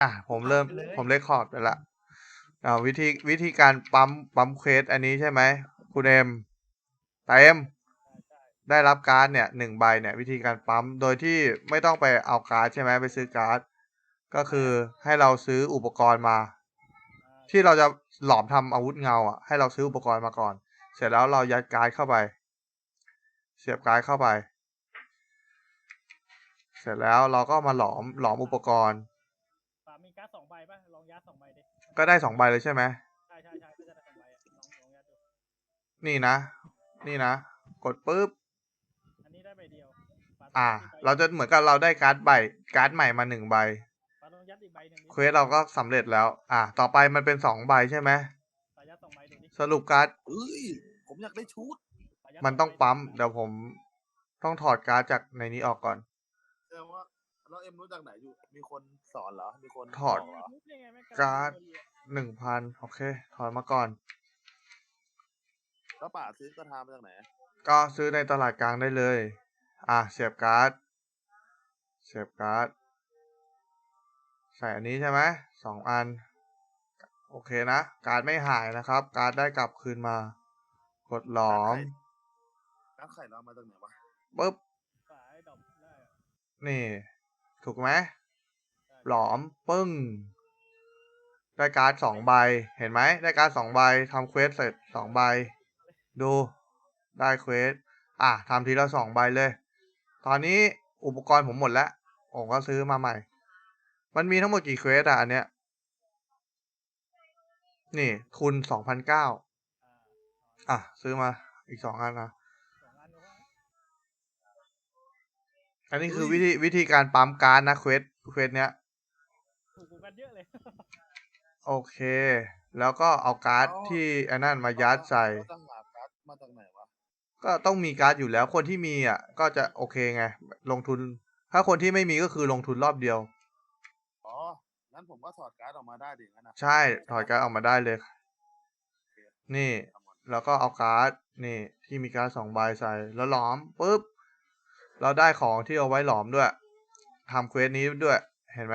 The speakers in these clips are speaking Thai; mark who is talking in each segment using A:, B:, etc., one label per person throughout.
A: ผมเริ่มผมเรคคอร์ดไปละวิธีการปั๊มเควสอันนี้ใช่ไหมคุณเอ็มได้รับการ์ดเนี่ย1 ใบเนี่ยวิธีการปั๊มโดยที่ไม่ต้องไปเอาการ์ดใช่ไหมไปซื้อการ์ดก็คือให้เราซื้ออุปกรณ์มา ที่เราจะหลอมทำอาวุธเงาอ่ะให้เราซื้ออุปกรณ์มาก่อน เสร็จแล้วเรายัดการ์ดเข้าไป เสียบการ์ดเข้าไป เสร็จแล้วเราก็มาหลอมอุปกรณ์
B: มีการ์ด2 ใบป่ะลองยัด2 ใบดิ
A: ก็ได้2 ใบเลยใช่ไหม
B: ใช่ก็จะได้2 ใบลองยัดดู
A: นี่นะกดปุ๊บ
B: อันนี้ได้ใบเดียว
A: เราจะเหมือนกับเราได้การ์ดใหม่มา1 ใบ
B: ลองยัดอีกใบหนึ่ง
A: เควสเราก็สำเร็จแล้วต่อไปมันเป็น2 ใบใช่ไหม
B: ยัด2 ใบดูดิ
A: สรุปการ์ด
C: ผมอยากได้ชุด
A: มันต้องปั๊มเดี๋ยวผมต้องถอดการ์ดจากในนี้ออกก่อน
C: แสดงว่าแล้วเอ็มรู้จากไหนอยู่มีคนสอนเหรอมีคน
A: ถอดการ์ด1,000โอเคถอดมาก่อน
C: แล้วป่าซื้อกระทามาจากไหน
A: ก็ซื้อในตลาดกลางได้เลยเสียบการ์ดใส่อันนี้ใช่ไหม2 อันโอเคนะการ์ดไม่หายนะครับการ์ดได้กลับคืนมากดหลอม
C: การ์ดไข่เรามาจากไหนวะ
A: ปุ๊บนี่ถูกไหมหลอมปึ้งได้การ์ด2 ใบเห็นไหมได้การ์ด2 ใบทำเควสเสร็จ2 ใบดูได้เควสทำทีละ2 ใบเลยตอนนี้อุปกรณ์ผมหมดแล้วผมก็ซื้อมาใหม่มันมีทั้งหมดกี่เควสอันเนี้ยนี่ทุน 2,900ซื้อมาอีก2 อันนะอันนี้คือวิธีการปั๊มการ์ดนะเควสเนี้ย
B: ถูกกันเยอะเลย
A: โอเคแล้วก็เอาการ์ดที่อันนั้นมายัดใส่
C: มาจากไหนวะ
A: ก็ต้องมีการ์ดอยู่แล้วคนที่มีก็จะโอเคไงลงทุนถ้าคนที่ไม่มีก็คือลงทุนรอบเดียว
C: งั้นผมก็ถอดการ์ดออกมาได้ดิงั้นนะ
A: ใช่ถอดการ์ดออกมาได้เลยนี่แล้วก็เอาการ์ดนี่ที่มีการ์ด2 ใบใส่แล้วหลอมปุ๊บเราได้ของที่เอาไว้หลอมด้วยทำเควสนี้ด้วยเห็นไหม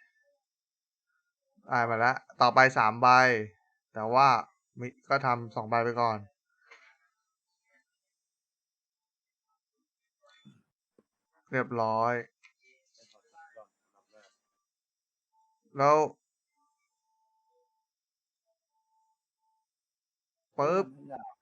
A: ได้มาแล้วต่อไป3 ใบแต่ว่าก็ทำ2 ใบไปก่อนเรียบร้อยแล้วปุ๊บ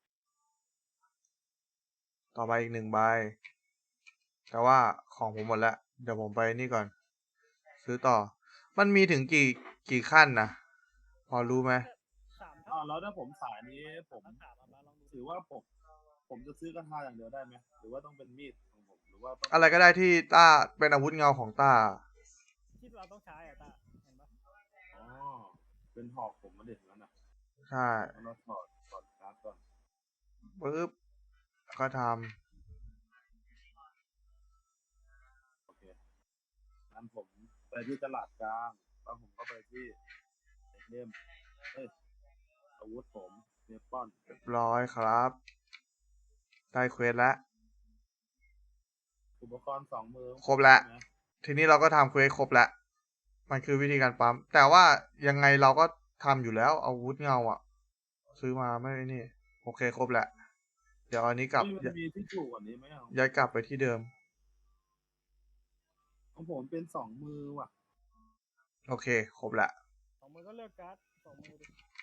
A: ต่อไปอีก1 ใบแต่ว่าของผมหมดแล้วเดี๋ยวผมไปนี่ก่อนซื้อต่อมันมีถึงกี่ขั้นนะพอรู้ไหม
C: แล้วถ้าผมสายนี้ผมถือว่าผมจะซื้อกระทาอย่างเดียวได้ไหมหรือว่าต้องเป็นมีดของผมหรือว่า
A: อะไรก็ได้ที่ต้าเป็นอาวุธเงาของต้า
B: ที่เราต้องใช้ต้าเห็นปะ
C: เป็นหอกผมมาเด็ดแล้วนะ
A: ใช่
C: เราถอดการ์ดก่อน
A: ปึ๊บก็ทำ
C: โอเคงั้นผมไปที่ตลาดกลางแล้วผมก็ไปที่เล่มอาวุธผมเนปอน
A: เรียบร้อยครับได้เควสแล้ว
C: อุปกรณ์2 มือ
A: ครบแล้วทีนี้เราก็ทำเควสครบแล้วมันคือวิธีการปั๊มแต่ว่ายังไงเราก็ทำอยู่แล้วอาวุธเงาซื้อมาไม่นี่โอเคครบแล้วเดี๋ยวอันนี้กลับ
C: มีที่ถูกกว่านี้ไหม
A: ย้ายกลับไปที่เดิม
C: ของผมเป็น2 มือว่ะ
A: โอเคครบแล้ว
B: 2 มือก็เลือกการ์ด2 มือดิ